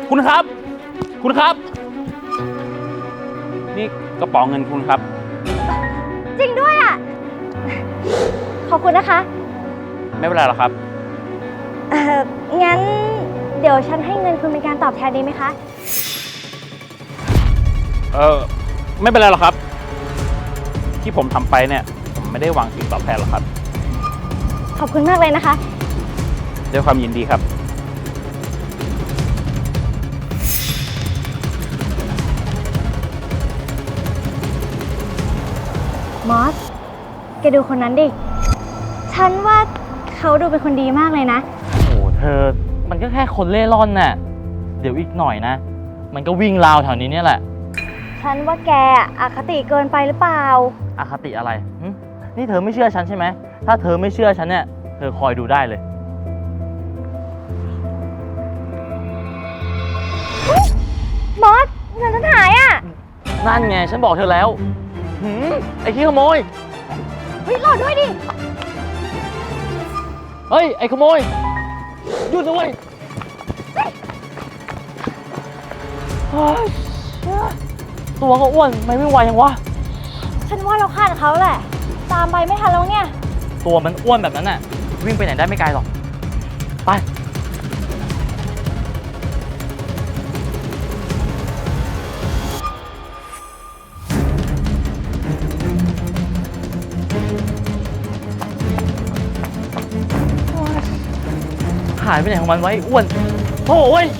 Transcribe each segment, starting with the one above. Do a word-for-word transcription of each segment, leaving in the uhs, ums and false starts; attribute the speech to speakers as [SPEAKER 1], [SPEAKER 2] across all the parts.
[SPEAKER 1] คุณครับ คุณครับ นี่กระเป๋าเงินคุณครับ
[SPEAKER 2] จริงด้วยอ่ะ ขอบคุณนะคะ
[SPEAKER 1] ไม่เป็นไรหรอกครับ
[SPEAKER 2] เอ่อ งั้นเดี๋ยวฉันให้เงินคุณเป็นการตอบแทนดีไหมคะ
[SPEAKER 1] เออไม่เป็นไรหรอกครับ ที่ผมทำไปเนี่ยผมไม่ได้หวังสิ่งตอบแทนหรอกครับ
[SPEAKER 2] ขอบคุณมากเลยนะคะ
[SPEAKER 1] ด้วยความยินดีครับ
[SPEAKER 2] มอส แกดูคนนั้นดิ ฉันว่าเขาดูเป็นคนดีมากเลยนะ
[SPEAKER 3] โอ้โหเธอมันก็แค่คนเล่ร่อนน่ะเดี๋ยวอีกหน่อยนะมันก็วิ่งราวแถวนี้เนี่ยแหละ
[SPEAKER 2] ฉันว่าแกอคติเกินไปหรือเปล่า
[SPEAKER 3] อคติอะไรหึนี่เธอไม่เชื่อฉันใช่ไหมถ้าเธอไม่เชื่อฉันเนี่ยเธอคอยดูได้เลย
[SPEAKER 2] มอส เงินฉันหายอ่ะ
[SPEAKER 3] นั่นไงฉันบอกเธอแล้วหืมไอ้ขี้ขโมย
[SPEAKER 2] เฮ้ยรอด้วยดิ
[SPEAKER 3] เฮ้ยไอ้ขโมยหยุดนะเว้ยเฮ้ยตัวก็อ้วนไม่ไม่ไหวยังวะ
[SPEAKER 2] ฉันว่าเราคาดเขาแหละ ตามไปไม่ทันแล้วเนี่ย
[SPEAKER 3] ตัวมันอ้วนแบบนั้นน่ะวิ่งไปไหนได้ไม่ไกลหรอกไปหายไปไหนของมันไว้อ้วนโอ้ย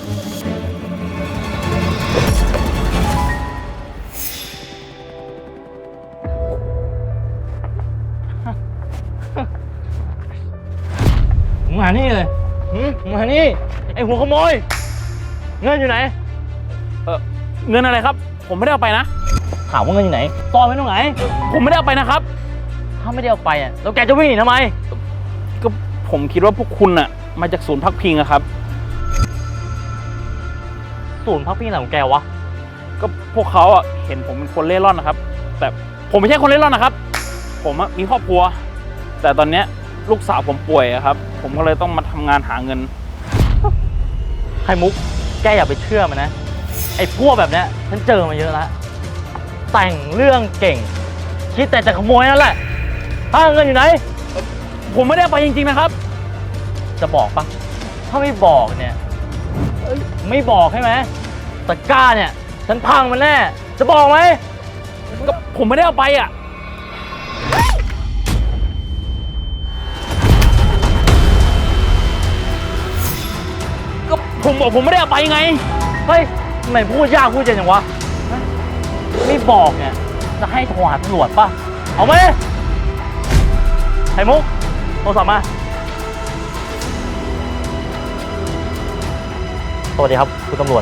[SPEAKER 3] มานี่เลยหืมมานี่ไอหัวขโมยเงินอยู่ไหน
[SPEAKER 1] เออเงินอะไรครับ ผมไม่ได้เอาไปนะ
[SPEAKER 3] ถามว่าเงินอยู่ไหนซ่อนไว้ตรงไหน
[SPEAKER 1] ผมไม่ได้เอาไปนะครับ
[SPEAKER 3] ถ้าไม่ได้เอาไปอ่ะแล้วแกจะวิ่งหนีทำไม
[SPEAKER 1] ก็ผมคิดว่าพวกคุณอะมาจากศูนย์พักพิงอะครับ
[SPEAKER 3] ศูนย์พักพิงอะไรของแกวะ
[SPEAKER 1] ก็พวกเขาอะเห็นผมเป็นคนเล่ร่อนนะครับ แต่ผมไม่ใช่คนเล่ร่อนนะครับ ผมอะมีครอบครัว แต่ตอนเนี้ยลูกสาวผมป่วยอะครับ ผมก็เลยต้องมาทำงานหาเงิน
[SPEAKER 3] ไข่มุกแกอย่าไปเชื่อมันนะไอ้พวกแบบเนี้ยฉันเจอมาเยอะแล้วแต่งเรื่องเก่งคิดแต่จะขโมยนั่นแหละถ้าเงินอยู่ไหน
[SPEAKER 1] ผมไม่ได้เอาไปจริงๆนะครับ
[SPEAKER 3] จะบอกปะถ้าไม่บอกเนี่ยเอ้ยไม่บอกใช่ไหมตะกร้าเนี่ยฉันพังมันแน่จะบอกไหม
[SPEAKER 1] ก็ผมไม่ได้เอาไปอ่ะ ก็ผมบอกผมไม่ได้เอาไปไง
[SPEAKER 3] เฮ้ยทำไมพูดยากพูดเย็นอย่างวะฮะไม่บอกเนี่ยจะให้โทรหาตำรวจปะเอาไหมไข่มุกโทรศัพท์มาสวัสดีครับคุณตำรวจ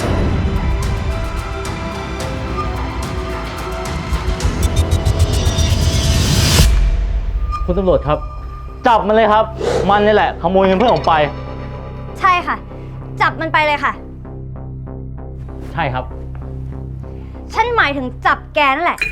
[SPEAKER 3] คุณตำรวจครับจับมันเลยครับมันนี่แหละขโมยเงินเพื่อนผมไป
[SPEAKER 2] ใช่ค่ะ จับมันไปเลยค่ะ
[SPEAKER 3] ใช่ครับ
[SPEAKER 2] ฉันหมายถึงจับแกนั่นแหละ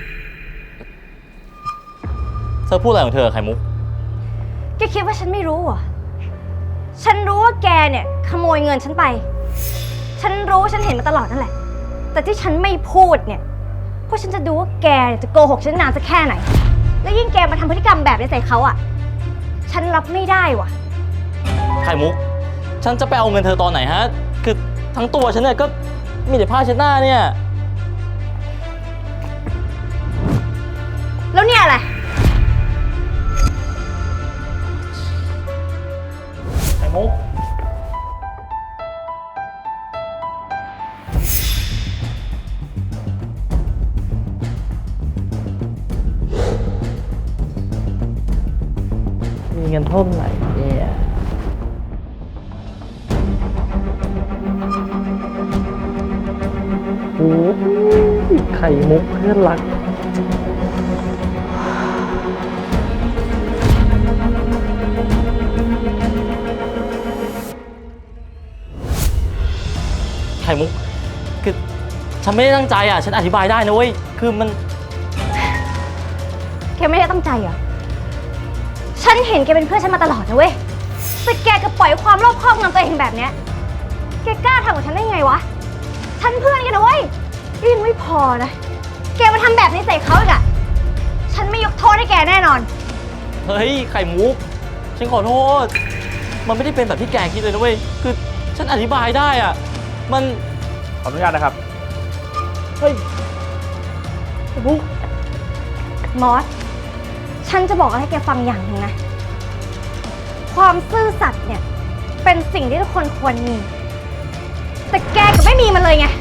[SPEAKER 3] เธอพูดอะไรของเธอไข่มุก
[SPEAKER 2] แกคิดว่าฉันไม่รู้เหรอ ฉันรู้ว่าแกเนี่ยขโมยเงินฉันไป ฉันรู้ฉันเห็นมาตลอดนั่นแหละ แต่ที่ฉันไม่พูดเนี่ย เพราะฉันจะดูว่าแกจะโกหกฉันนานสักแค่ไหน และยิ่งแกมาทำพฤติกรรมแบบนี้ใส่เขาอ่ะ ฉันรับไม่ได้ว่ะ
[SPEAKER 3] ไข่มุก ฉันจะไปเอาเงินเธอตอนไหนฮะ คือทั้งตัวฉันเนี่ยก็มีแต่ผ้าเช็ดหน้าเนี่ย
[SPEAKER 2] แล้วเนี่ยอะไร
[SPEAKER 3] ไข่มุก มีเงินเท่าไหร่เนี่ยโอ้ยไข่มุกเพื่อนรัก ไข่มุก คือฉันไม่ได้ตั้งใจอ่ะ ฉันอธิบายได้นะเว้ย คือมัน
[SPEAKER 2] แกไม่ได้ตั้งใจเหรอ ฉันเห็นแกเป็นเพื่อนฉันมาตลอดนะเว้ย แต่แกก็ปล่อยความโลภครอบงำตัวเองแบบเนี้ย แกกล้าทำกับฉันได้ไงวะ ฉันเพื่อนกันนะเว้ยยังไม่พอนะ แกมาทำแบบนี้ใส่เขาอีกอะฉันไม่ยกโทษให้แกแน่นอน
[SPEAKER 3] เฮ้ย ไข่มุก ฉันขอโทษ มันไม่ได้เป็นแบบที่แกคิดเลยนะเว้ย คือฉันอธิบายได้อะมัน
[SPEAKER 1] ขออนุญาตนะครับ
[SPEAKER 3] เฮ้ยไข่มุก
[SPEAKER 2] มอส ฉันจะบอกอะไรให้แกฟังอย่างหนึ่งนะ ความซื่อสัตย์เนี่ย เป็นสิ่งที่ทุกคนควรมี แต่แกก็ไม่มีมันเลยไง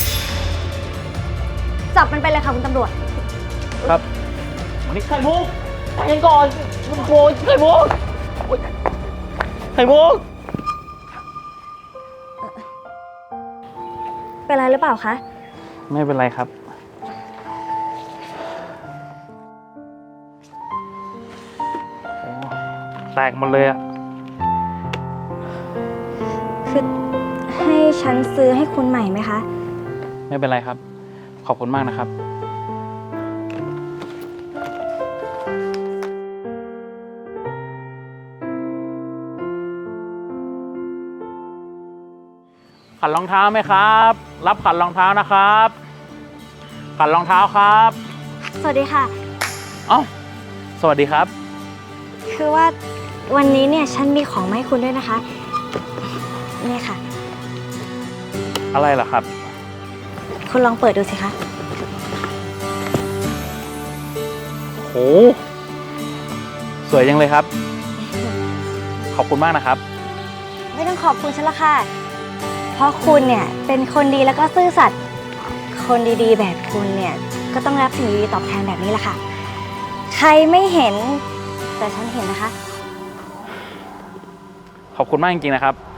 [SPEAKER 2] จับมันไปเลยค่ะคุณตำรวจ
[SPEAKER 1] ครับ
[SPEAKER 3] นี่ไข่มุกใจเย็นก่อนมันโกรธไข่มุกโอ๊ยไข่มุก
[SPEAKER 2] เป็นไรหรือเปล่าคะ
[SPEAKER 1] ไม่เป็นไรครับ โอ้แตกหมดเลยอะ
[SPEAKER 2] คือให้ฉันซื้อให้คุณใหม่ไหมคะ
[SPEAKER 1] ไม่เป็นไรครับ ขอบคุณมากนะครับ ขันรองเท้าไหมครับ รับขันรองเท้านะครับ ขันรองเท้าครับ
[SPEAKER 2] สวัสดีค่ะ
[SPEAKER 1] เอ้า สวัสดีครับ
[SPEAKER 2] คือว่าวันนี้เนี่ยฉันมีของมาให้คุณด้วยนะคะ นี่ค่ะ
[SPEAKER 1] อะไรเหรอครับ
[SPEAKER 2] คุณลองเปิดดูสิคะ
[SPEAKER 1] โห สวยจังเลยครับ ขอบคุณมากนะครับ
[SPEAKER 2] ไม่ต้องขอบคุณฉันละค่ะ เพราะคุณเนี่ยเป็นคนดีแล้วก็ซื่อสัตย์ คนดีๆ แบบคุณเนี่ยก็ต้องรับสิ่งดีๆตอบแทนแบบนี้แหละค่ะ ใครไม่เห็นแต่ฉันเห็นนะคะ
[SPEAKER 1] ขอบคุณมากจริงๆนะครับ